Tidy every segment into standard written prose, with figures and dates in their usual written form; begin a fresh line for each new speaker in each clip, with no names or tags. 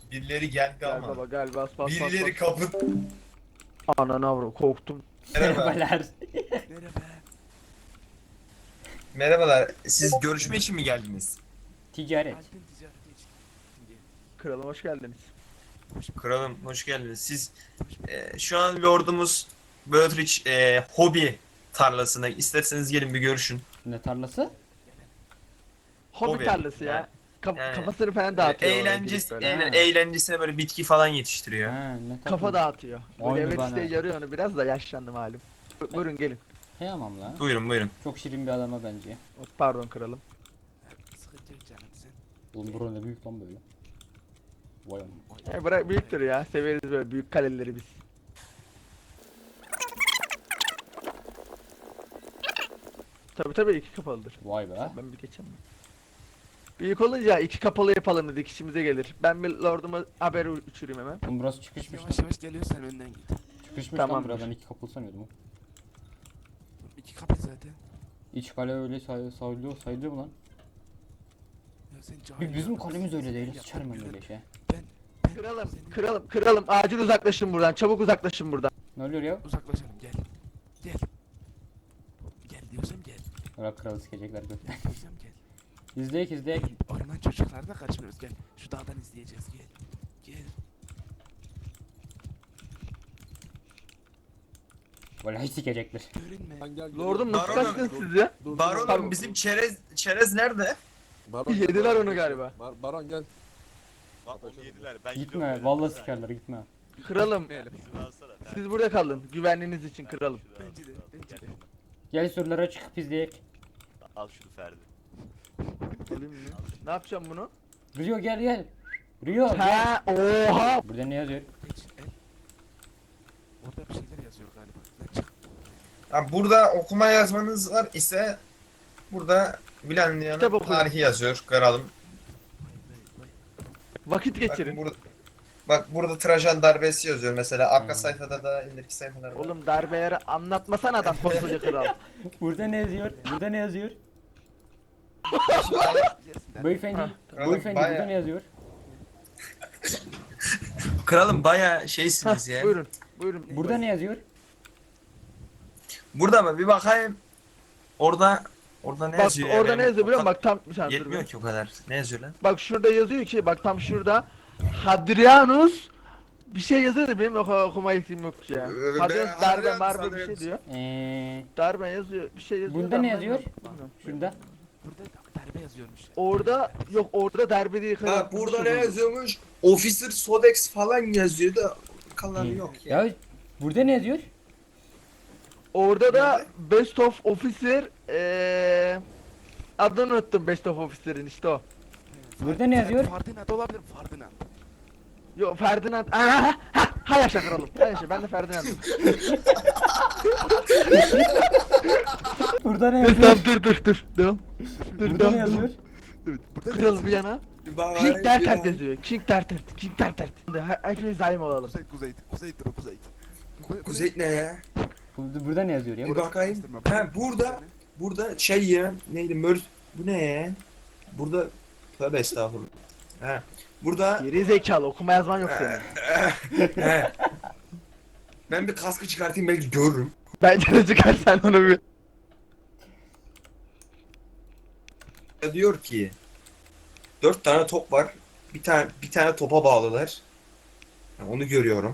Birileri geldi
Gel
ama.
baba gel bas bas bas.
Birileri kapı.
Ananı avro korktum.
Merhaba.
Merhabalar.
Merhaba.
Merhabalar. Siz görüşme için mi geldiniz?
Ticaret.
Altın ticareti için.
Kralım hoş geldiniz.
Kralım hoş geldiniz. Siz şu an lordumuz Böğütriç hobi tarlasına isterseniz gelin bir görüşün.
Ne tarlası?
Hobi
Hobi.
tarlası ya.
Yani-
Kafasını falan dağıtıyor. oraya
Eğlencesi,
gidip böyle.
Ha.
eğlencesine böyle bitki falan yetiştiriyor.
Ha, ne tatlı.
Kafa dağıtıyor.
Aynı
Böyle evet
bana.
isteği yarıyor onu biraz da yaşlandı malum. Buyurun gelin.
Kıyamam lan.
Buyurun buyurun.
Çok şirin bir adama bence.
Pardon kralım.
Sıkıntı yok canım sen.
Oğlum buranın ne büyük lan böyle. Vay amma.
Bırak büyüktür ya. Severiz böyle büyük kaleleri biz. Tabii iki kapalıdır.
Vay be.
Ben bir geçemem. Büyük olunca iki kapalı yapalım dedik işimize gelir. Ben bir lorduma haber uçurayım hemen.
Oğlum burası çıkışmış lan.
Yavaş yavaş geliyor sen önden git.
Çıkışmış
Tamamdır.
lan buradan iki kapılı sanıyordum.
İki kapı zaten.
İç kale öyle sayılıyor mu lan?
Ya sen cahil
Bizim
adamsın.
kalemiz öyle değil.
Sen
Sıçarım ben
yapma,
öyle şey.
Ben
Kralım acil uzaklaşın buradan. Çabuk uzaklaşın buradan.
Ne oluyor ya?
uzaklaşalım gel. Gel. Gel diyorsam gel.
Bırak kralı sikecekler gökten.
Gel diyorsam gel.
İzleyek.
Orman çocuklarına kaçmıyoruz gel. Şu dağdan izleyeceğiz gel. Gel.
Vallahi sikecekler.
Görünme.
Lordum nasıl
Baronum-
kaçtınız siz ya?
Baronum bizim çerez nerede?
Baron,
Yediler
Baron,
onu galiba.
Baron gel.
Bak onu yediler. Ben
Gitme.
gidiyorum
Vallahi
böyle.
sikerler gitme.
Kralım
Şunu alsana.
siz burada kalın. Güvenliğiniz için kralım.
Bence de. Bence de.
Gel sorulara çıkıp izleyek.
Al şunu Ferdi.
Alayım mı? Ne yapacağım bunu?
Rio gel. Rio gel.
Ha oha.
Burada ne yazıyor?
Geç el. Orada bir şeyler yazıyor galiba. Lan çık.
Ha, burada okuma yazmanız var ise burada
Kitap
Bilandiyan'ın
okuyun.
tarihi yazıyor kralım.
Vakit
Bak,
geçirin.
bak burada Trajan darbesi yazıyor mesela. Arka sayfada da ileriki sayfalarda.
Oğlum darbeleri anlatmasana adam koskoca kral.
Burada ne yazıyor? Burada ne yazıyor?
Bilirsin.
Beyefendi.
Ha,
kralım
Beyefendi
bayağı-
burada ne yazıyor?
Kralım baya
Hah,
şeysiniz ya.
buyurun.
Burada ne yazıyor?
Burada mı? Bir bakayım. Orada ne
Bak
yazıyor?
orada
ya?
ne yazıyor biliyor musun? Bak tam bir saniye dur
Yetmiyor
be.
ki o kadar. Ne yazıyor lan?
Bak şurada yazıyor ki bak tam şurada Hadrianus bir şey yazıyor da benim okuma yetim yok ya. Hadrianus darbe marbe bir şey diyor. Darbe yazıyor bir şey yazıyor.
Bunda
da
ne
ben
yazıyor?
bilmiyorum.
Şurada.
Burada darbe yazıyormuş.
Orada yok orada darbe değil.
Bak burada ne yazıyormuş? Officer Sodex falan yazıyor da kalan yok ya.
Ya burada ne yazıyor?
Orada da
Nerede?
Best of Officer adını unuttum Best of Officer'ın işte o.
Burada ne yazıyor?
Ferdinand olabilir Ferdinand.
Yok Ferdinand. Ha yaşa kralım. Ha yaşa ben de Ferdinand'ım.
Burada ne
Dur
yazıyor?
dur. Devam. Dur
Burada ne yazıyor?
Kralım bir yana.
Bak,
King Dertert yazıyor. King Dertert. Hepimiz zalim olalım.
Kuzey.
Kuzey ne ya?
Burada ne yazıyor ya?
Bir bakayım. Ha burada şey ya neydi bu ne ya? Burada tövbe estağfurullah. Ha burada
Geri zekalı okuma yazman yok senin.
he. Ben bir kaskı çıkartayım belki görürüm.
Bence de çıkar sen onu bir.
Diyor ki 4 tane top var. Bir tane topa bağlılar. Ha, onu görüyorum.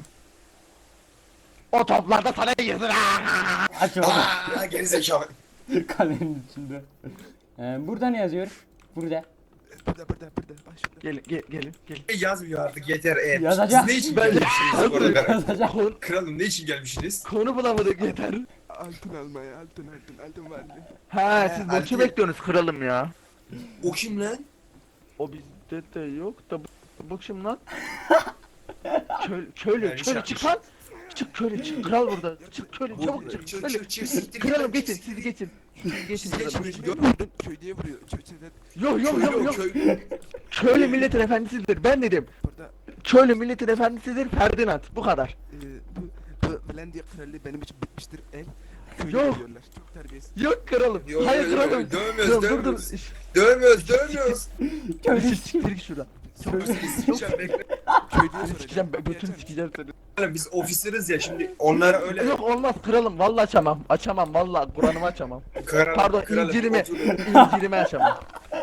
O toplarda sana girsin ha.
Aç oğlum.
Aa gerizekalı.
Kalenin içinde. Burada ne yazıyor? Burada.
Burada. Bak şurada.
Gelin.
Yazmıyor artık yeter.
Yazacak.
Siz ne için
Ben-
gelmişsiniz burada?
Yazacak.
Kralım ne için gelmişsiniz?
Konu bulamadık yeter.
Altın almaya altın vardı.
Ha siz
Erkek-
boşu bekliyorsunuz kralım ya.
O kim lan?
O bizde de yok da bu kim lan?
Yani
Köylü
şey
çık lan. Çık köylü çık kral burada. Çık köylü çabuk çık. Köylü.
Çık siktir.
Kralım geçin siz geçin. Siz geçin kralım.
Gördün köy diye vuruyor.
Yok. Köylü milletin efendisidir ben dedim.
Burada
Köylü milletin efendisidir Ferdinand bu kadar.
bu Velandiya krallığı benim için bitmiştir el. Köyü
Yok.
diyorlar. Çok terbiyesiz.
Yok kralım.
Yok,
Hayır
yok,
kralım.
yok, dövmüyoruz,
Kralım, dur
dövmüyoruz. Dövmüyoruz.
Köylü siktir git şuradan.
Sikeceğim, bekle.
Köylüye
Seni sikeceğim,
soracağım.
götünü sikeceğim seni.
Oğlum biz ofisiriz ya şimdi onlara öyle
Yok olmaz kralım, vallahi açamam. Açamam vallahi, Kur'an'ımı açamam.
kralım,
Pardon,
kralım,
İncil'imi,
oturun.
İncil'imi açamam.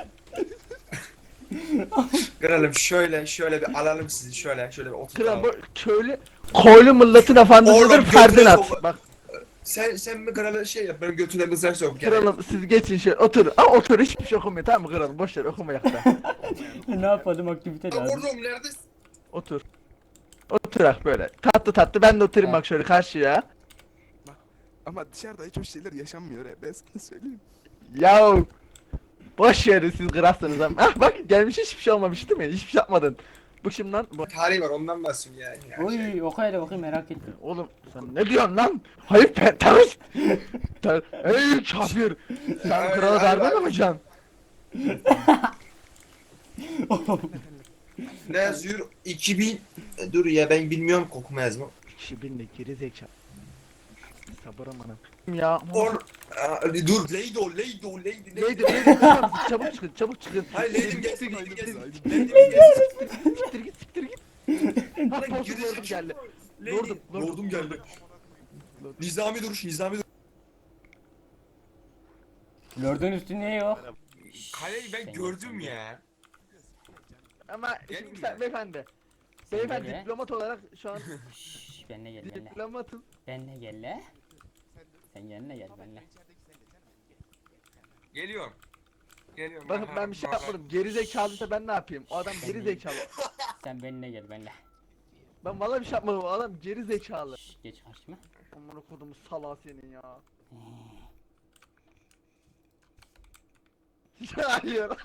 Kralım şöyle bir alalım sizi şöyle bir
Kral
oturtalım.
bu köylü, koylu milletin efendisidir
Oğlum,
Ferdinand.
götüne
Bak
Sen mi kralı şey yap benim götüne mızrak sok gene.
kralım siz geçin şöyle otur. Aa otur, hiçbir şey okumuyor tamam mı kralım, boş ver okumayak da.
Ne yapalım, aktivite lazım.
Oğlum neredesin?
Otur. Oturak böyle. Tatlı tatlı ben de oturayım bak şöyle karşıya.
Ama dışarıda hiç o şeyler yaşanmıyor. Ben sana söyleyeyim.
Yav. Boş verin siz kralsınız ama. Ah bak gelmiş, hiçbir şey olmamış değil mi? Hiçbir şey yapmadın. Bu şimdi lan.
Tarihi var ondan bahsediyorum yani.
Oy, okuyla bakayım, merak ettim.
Oğlum sen ne diyorsun lan? Hayır terörist. Ey kafir. Sen krala darbe mi yapacaksın?
Ne yazıyor? 2000 dur ya ben bilmiyorum kokuma yazma.
2000'de geri zekalı. Sabır amanım. Ya.
Or dur Leydo.
Neydi? Çabuk çıkın, çabuk çıkın.
Hayır Leydim gelsin Leydim gelsin.
Siktir git, siktir git. Ha,
Lan
bozuk
gerizekalı.
lordum geldi.
Leydim. Lordum geldi. Nizami duruş.
Lord'un üstü niye yok?
Kaleyi ben gördüm ya.
Ama
Gelin
şimdi
mi
sen
ya?
beyefendi.
Sen
Beyefendi
gel be.
diplomat olarak şu an
Şşş, benle gel, benle.
diplomatım.
Benle gel le. Sen yanına gel, benle.
Geliyorum.
Bakın ben bir şey yapmadım. Geri zekalıysa ben ne yapayım? O adam geri zekalı.
Sen benle gel, benle.
Ben vallahi bir şey yapmadım. O adam geri zekalı.
Şşş, geç karşıma.
Amına kodumu salağı senin ya. Hayır.